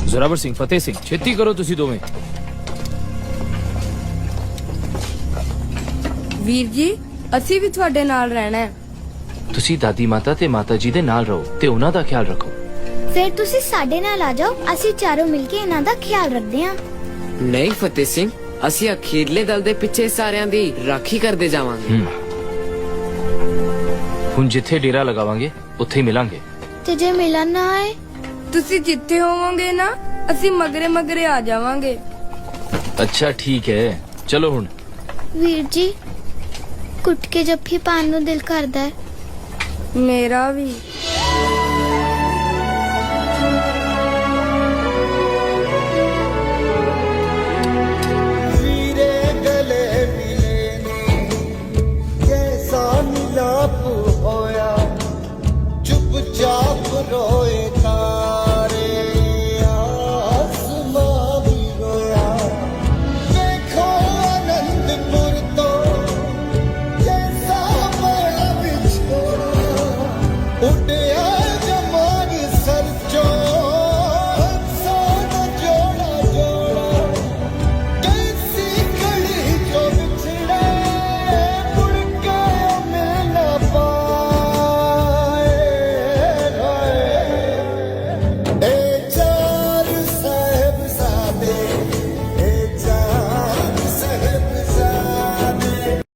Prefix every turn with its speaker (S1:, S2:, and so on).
S1: ਜ਼ੋਰਾਵਰ ਸਿੰਘ, ਫਤਿਹ ਸਿੰਘ, ਛੇਤੀ ਕਰੋ ਤੁਸੀਂ ਦੋਵੇਂ।
S2: ਵੀਰ ਜੀ ਅਸੀਂ ਵੀ ਤੁਹਾਡੇ ਨਾਲ ਰਹਿਣਾ ਹੈ।
S1: ਤੁਸੀਂ ਦਾਦੀ ਮਾਤਾ ਤੇ ਮਾਤਾ ਜੀ ਦੇ ਨਾਲ ਰਹੋ ਤੇ ਉਹਨਾਂ ਦਾ ਖਿਆਲ ਰੱਖੋ।
S3: ਫਿਰ ਤੁਸੀਂ ਸਾਡੇ ਨਾਲ ਆ ਜਾਓ, ਅਸੀਂ ਚਾਰੋਂ ਮਿਲ ਕੇ ਇਹਨਾਂ ਦਾ ਖਿਆਲ ਰੱਖਦੇ ਹਾਂ।
S4: ਨਹੀਂ ਫਤਿਹ ਸਿੰਘ, ਅਸੀਂ ਅਖੀਰਲੇ ਦਲ ਦੇ ਪਿੱਛੇ ਸਾਰਿਆਂ ਦੀ ਰਾਖੀ ਕਰਦੇ ਜਾਵਾਂਗੇ।
S1: ਹੁਣ ਜਿੱਥੇ ਡੇਰਾ ਲਗਾਵਾਂਗੇ ਉੱਥੇ ਹੀ ਮਿਲਾਂਗੇ।
S3: ਤੇ ਜੇ ਮਿਲਣ ਨਾ ਆਏ?
S2: ਤੁਸੀਂ ਜਿੱਥੇ ਹੋਵੋਗੇ ਨਾ ਅਸੀਂ ਮਗਰੇ ਮਗਰੇ ਆ ਜਾਵਾਂਗੇ।
S1: ਅੱਛਾ ਠੀਕ ਹੈ, ਚਲੋ ਹੁਣ।
S3: ਵੀਰ ਜੀ ਕੁੱਟ ਕੇ ਜੱਫੀ ਪਾਉਣ ਨੂੰ ਦਿਲ ਕਰਦਾ ਹੈ।
S2: ਮੇਰਾ ਵੀ।